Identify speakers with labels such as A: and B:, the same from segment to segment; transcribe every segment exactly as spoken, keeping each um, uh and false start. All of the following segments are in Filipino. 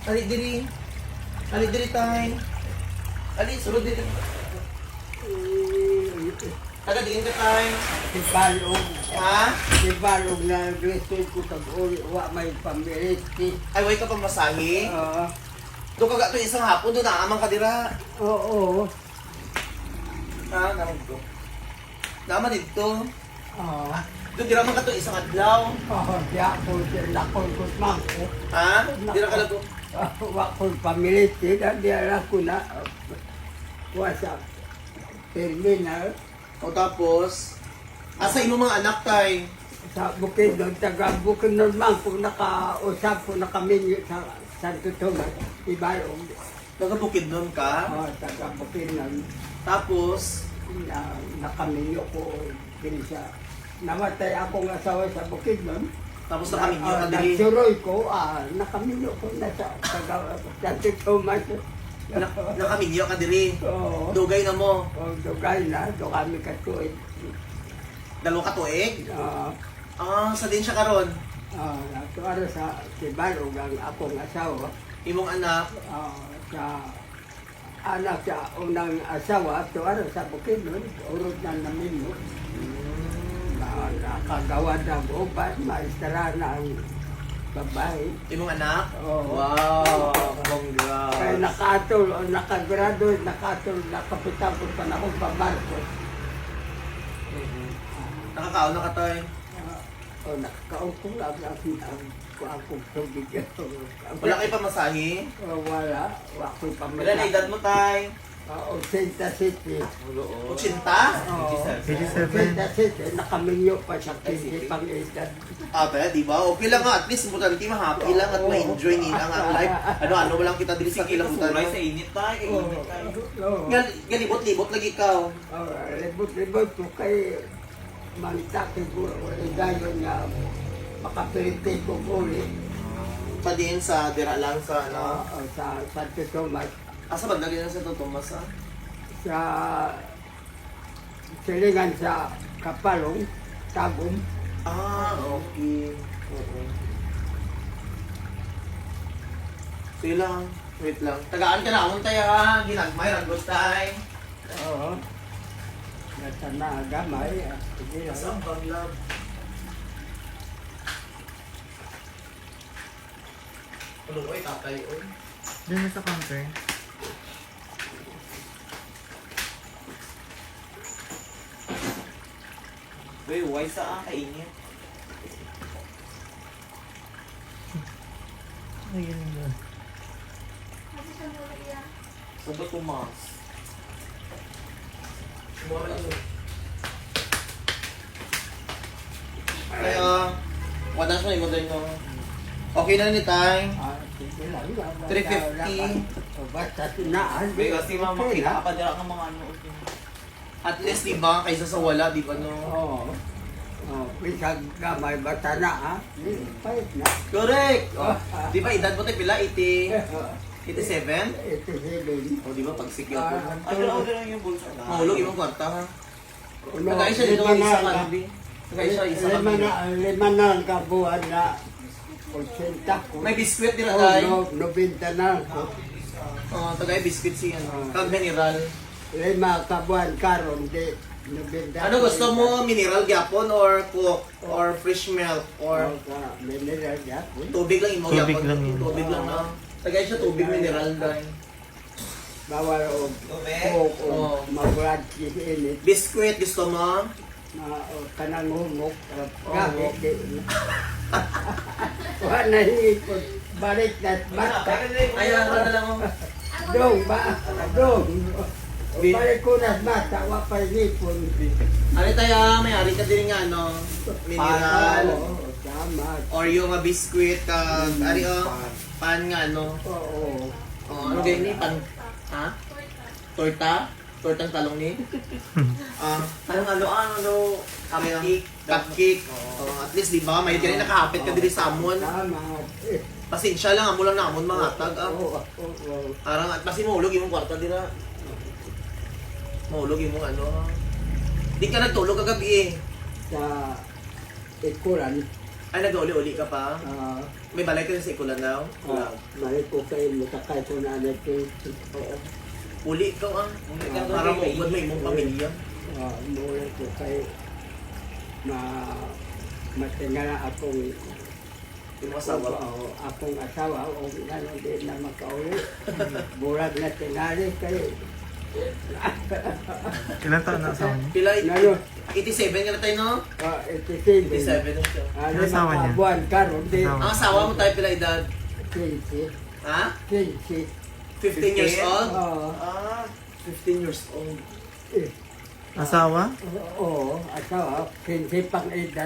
A: Ali diri. Ali diri tay. Ali sulod diri. Taga diin ka tay.
B: Ibalog.
A: Ha?
B: Ibalog na gusto ko tag-uli. Wa may pamiliti.
A: Ay way ka pamasahe.
B: Oo.
A: Do ka gato isang hapon do na amang ka dira.
B: Oo.
A: Ha, naman dito. Naman dito.
B: Oo.
A: Do dira man ka to isang adlaw.
B: Oo. Diya ko sila ko kusmang ko.
A: Ha? Dira ka lang to.
B: Wa ko pamiliti. Na diya ko na. Wasa. Terminal.
A: O tapos asa imo mga anak tay?
B: Sa bukid doon. Taga bukid doon man. Kung nakausap ko nakaminyo sa Santo Tomas. Ibalog.
A: Taga Bukidnon ka.
B: Oo. Taga bukid doon.
A: Tapos
B: Na, nakaminyo ko din sa namatay akong asawa sa bukid nun.
A: tapos nakaminyo ka
B: Ah,
A: diri.
B: nagsuroy ko, ah, nakaminyo ko na sa taga Santo Tomas.
A: Na, nakaminyo ka diri.
B: Oo.
A: Dugay na mo.
B: Oh, dugay na, do kami katuig.
A: Dalawa ka tuig.
B: Ah,
A: Ah, sa din siya karon.
B: ah, natuaro sa Tibalog ang akong asawa.
A: Imong anak.
B: Ah, sa anak sa unang asawa, tuaro sa bukid nun, urod na naminyo. Na, nakagawa ng upan, maestara na ang babae.
A: Imong anak.
B: Oo.
A: Wow. Bongga.
B: Kaya nakatul, o nakagraduate, nakatul, nakapitang ko pa na akong pabarko.
A: Nakakaon na ka tay.
B: O nakakaon ko lang ang ang akong tubig.
A: Wala kay pamasahe.
B: O, wala, wala ko'y
A: Wala na edad mo tay.
B: O, Santa City.
A: Ochenta?
B: O,
C: eighty-seven.
B: Santa City, nakaminyo pa sa kinti pang edad.
A: Ah, pero di ba? Okay lang nga. At least importante ma-happy lang at ma-enjoy nila ang life. Ano-ano mo lang kita dili sa kilabutan.
D: Sa init tayo,
B: O,
D: init tayo.
B: o,
A: Gal- Galibot-libot lagi ikaw.
B: o, libot-libot ko kay Mantak, siguro, gayon nga makapiriti ko ulit.
A: Pa din sa dira lang sa ano.
B: Ah, sa Santo Tomas,
A: Asa ba dali na sa to Tomas ah?
B: sa silingan sa Kapalong, Tagum.
A: Ah, okay. Oo. Sige lang. Wait lang. Tagaan ka na. Amon tayo ha. Ginagmay. Ragos tayo.
B: Oo. Nasa na gamay. ah, Sige lang.
A: Asa ang banglab? Ano ko eh, tatay ko.
C: Diyan sa counter.
D: Uy, why sa kainit?
C: Ayun yun.
D: Sabat tumas.
A: Kaya, wadas mo yung modern no. Okay na ni Tay.
B: Ah, sige lang.
A: three fifty.
B: O basta sinaan.
D: Uy, kasi mama,
B: Okay
D: kita
B: lang.
D: ka pa dira ng mga ano.
A: At least, di ba, kaysa sa wala, di ba, no?
B: Oo. Oh, pisag gamay basta na ha. Pahit na.
A: Correct! Oh, di ba, edad mo tayo pila? eighty,
B: Ah,
A: eighty-seven?
B: Ito seven.
A: O, di ba, pag secure ko.
B: Ah,
D: Ay, dira ko dira yung bulsa.
A: Mahulog yung kwarta, ha?
B: Uno,
A: Nagay siya dito
B: lima
A: ng isa
B: na-
A: kanbi. Nagay siya isa
B: lima
A: kanbi.
B: na, lima na ang kabuhan na otsenta ko.
A: May biskwit din
B: Oh,
A: Tay.
B: no, nobenta na.
A: Oh, tagay biskwit siya, no? Kag mineral.
B: Lima kabuhan karon di nobenta.
A: Ano gusto mo? Mineral gyapon or coke? Or fresh milk? Or
B: Or ka mineral ya.
A: tubig lang imo
C: Tubig
A: gyapon?
C: lang yun.
A: Tubig lang na. Tagay siya tubig mineral dahil.
B: Bawal og
D: Tubig?
B: coke o
A: Oh.
B: mabrad init
A: Biskwit gusto mo?
B: na o, kanang humok.
A: Oh.
B: Gabi di. Wala hipon. Balik na bata.
A: Ayan, ano lang mo?
B: Dong ba? Dong.
A: Bi-
B: Balik ko na bata. Wapay hipon.
A: Ano tayo, may ari ka din nga, no? Mineral.
B: Oo, tama.
A: Or yung mga biskwit, kag, ari o, pan nga, no?
B: Oo.
A: Oh, ano ganyan ni? Pan, ha? Torta? Tortang talong ni? Ah,
D: Anong ano, ano, ano,
A: cupcake. Cupcake. Oh, at least, di ba? May ganyan nakahapit ka din sa amon.
B: Tama.
A: Pasensya lang, amo lang na amon mga tag. Ah.
B: Oo, oo, oo.
A: Parang, at pasi mahulog yung kwarta dira. Mahulog yung ano. Di ka nagtulog kagabi eh.
B: Sa ikuran,
A: Ay, nag-uli-uli ka pa?
B: Ah,
A: May balay ka sa ikulan daw?
B: ah, Mali ko kayo matakay ko na natin. Oo.
A: Uli ka ah.
D: Uli ka daw,
A: Para mo
D: baby.
A: ugod mo imong pamilya.
B: Ah, muli ko kayo na matingala akong
A: Yung asawa.
B: Oo, akong asawa o ano din na makauli. Bulag na tinali kayo.
C: Ilan taon na asawa niya?
A: Pila,
B: Ngayon,
A: eighty-seven ka na tayo, no?
B: ah, eighty-seven.
A: eighty-seven na siya.
B: Ano
C: Ang asawa niya?
B: buwan karon din.
C: Asawa.
A: Ang asawa mo tayo pila edad?
B: Quincy.
A: Ha?
B: Quincy.
A: fifteen years old?
B: Oo.
A: Ah, fifteen years old.
B: Eh,
C: Asawa?
B: Oo, asawa. Quincy pang edad.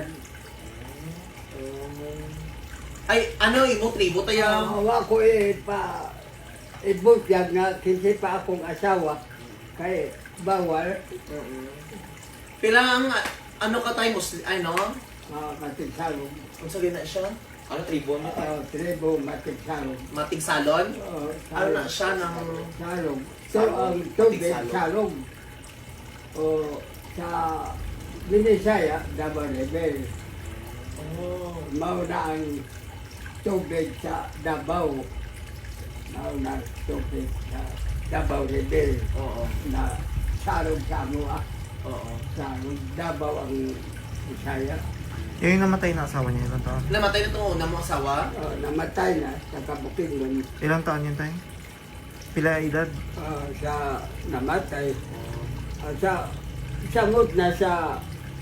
A: Ay, ano, imo tribo tayo?
B: Awa ko eh pa ibutyag nga Quincy pa akong asawa. Kay bawal.
A: Pila ang, ano ka tayo, Muslim, ay no?
B: Uh, matigsalong.
A: Kung sa na siya?
D: Ano tribo niya?
B: Uh, tribo matigsalong.
A: Mating salon?
B: Uh,
A: Ano na siya ng...
B: Salong. So,
A: Salong.
B: ang tubig,
A: Matigsalong.
B: salong. O, sa Binisaya, Davao Level.
A: Oh.
B: Mauna ang tubig sa Davao. Mauna ang tubig sa Davao Level.
A: Oo.
B: Na salong sa Amua.
A: Oo.
B: Salong Davao ang Bisaya.
C: Yung namatay na asawa niya, ilang taon?
A: Namatay na itong una mong asawa?
B: Uh, namatay na sa Kabukidnon.
C: Ilang taon yun tayo? Pila edad?
B: Uh, sa namatay. Uh, sa samot na sa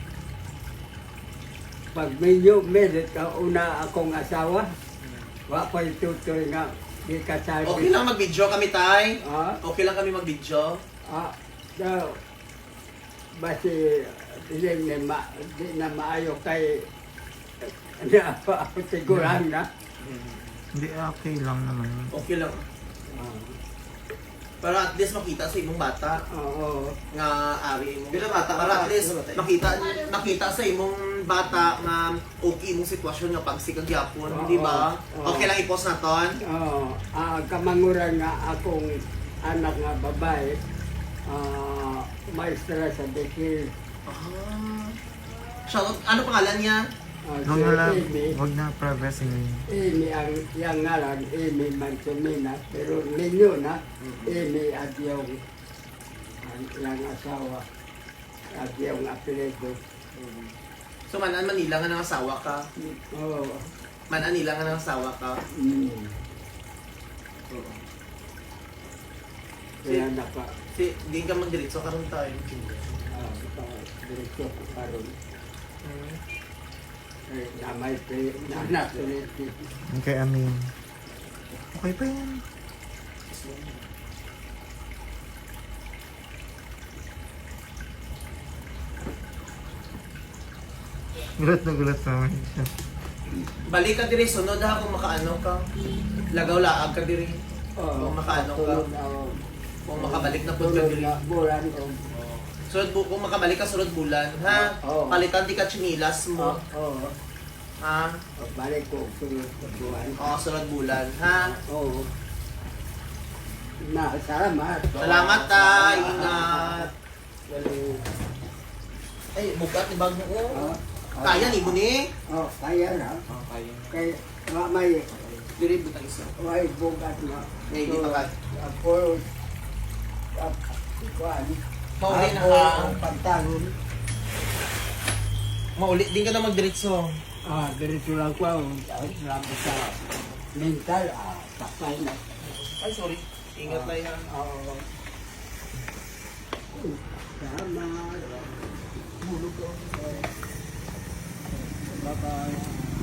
B: pag medyo merit ka una akong asawa. Wa pa itutoy nga di ka sabi.
A: Okay lang mag-video kami, tay.
B: Ah,
A: Okay lang kami mag-video.
B: ah, so, basi hindi na, ma, di na maayo kay na siguran na.
C: Hindi, okay lang naman.
A: Okay lang.
B: Ah,
A: Para at least makita sa imong bata
B: Oo.
A: nga ari mo.
D: Pila bata ka
A: Para
D: ba?
A: at least
D: Pila bata?
A: makita makita sa imong bata nga okay imong sitwasyon nga pagsikag gyapon,
B: Oo.
A: di ba?
B: Oo.
A: Okay lang i-post na ton.
B: Oo, ah, kamanguran nga akong anak nga babae, ah, maestra sa Bekir.
A: Ah. Shoutout, ano pangalan niya?
B: Ah,
C: Huwag
B: si
C: na lang,
B: Amy,
C: huwag na privacy ngayon.
B: Amy ang yang ngalan, Amy Mansumina, pero ninyo na, Amy at yung ang yang asawa at yung apelido.
A: So manan Manila nga nang asawa ka.
B: Oo.
A: Manan nila nga nang asawa ka.
B: Mm. Kaya naka,
A: Si di ka magdiretso karon tayo.
B: ah, pa- diretso ko karon. Eh, namay pa nanak ulit.
C: Okay, amin. Okay pa yan. Gulat na gulat naman siya.
A: Balik ka diri sunod ha kung makaano ka. Lagaw laag ka diri.
B: Oo,
A: Kung makaano ka.
B: tulog ako.
A: Kung makabalik na pud ka
B: Tulog
A: diri.
B: na bulan o.
A: Sunod bu kung makabalik ka sunod bulan, ha?
B: Oo.
A: Palitan di ka chinilas mo,
B: Oo.
A: ha?
B: Oh, balik ko sunod sa buwan.
A: Oo, sunod bulan, ha?
B: Oo. Na, salamat.
A: Salamat tay, ingat.
B: Galing.
A: Ay, bukat ni bag mo.
B: Ah,
A: Kaya ni mo ni.
B: Oh, kaya na.
D: Ah, kaya.
B: Kay, ma- may,
A: Diri butang isa.
B: may bugat na.
A: May hindi pa ka.
B: Ako, at, kuwan.
A: Mauli na
B: Ako,
A: ka.
B: ang pantalon.
A: Mauli din ka na magdiretso.
B: Ah, ganito lang ko. Salamat sa mental. Ah, sakay na.
A: Ay, sorry. Ingat tayo. ha.
B: Oo. Salamat.
A: Bulog ko.
B: Bye-bye.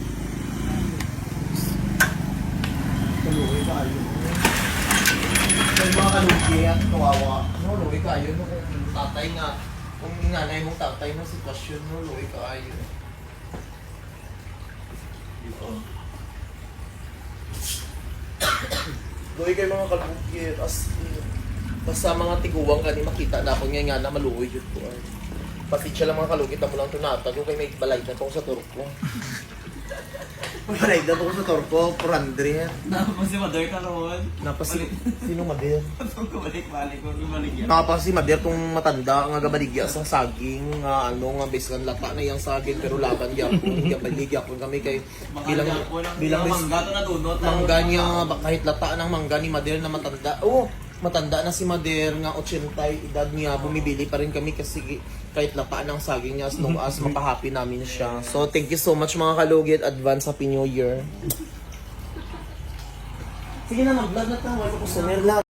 A: Tuluwi kayo. Yung mga kalugi at kawawa. No, luwi kayo. No, kung tatay nga. Kung nanay mong tatay na sitwasyon, no, luwi kayo. Luwi kayo mga kalugi. As, tas sa mga tiguwang ka ni makita na ako nga nga na maluwi yun po. Ay. Pati siya lang mga kalugit na mo lang tunatag. Kung kayo may balay na kung sa turok ko. Pagkalaydan ako sa Torco, four hundred.
D: Tapos si Mother ka noon.
A: Napasi, sino Mader?
D: Patong kabalik-balik ko, ibaligyan.
A: Napasi Mader tong matanda nga gabaligya sa saging nga ano nga biskan lata na yang saging pero laban gyapon gabalig gyapon kami kay bilang bilang bis,
D: mangga to na dunot.
A: mangga niya ba- kahit lata ng mangga ni Mader na matanda. Oh, matanda na si Mader nga eighty edad niya bumibili pa rin kami kasi kahit lata ng saging niya as long as makahappy namin siya. So thank you so much mga kalugit, advance happy new year. Sige na mag-vlog na tayo, wala ko sa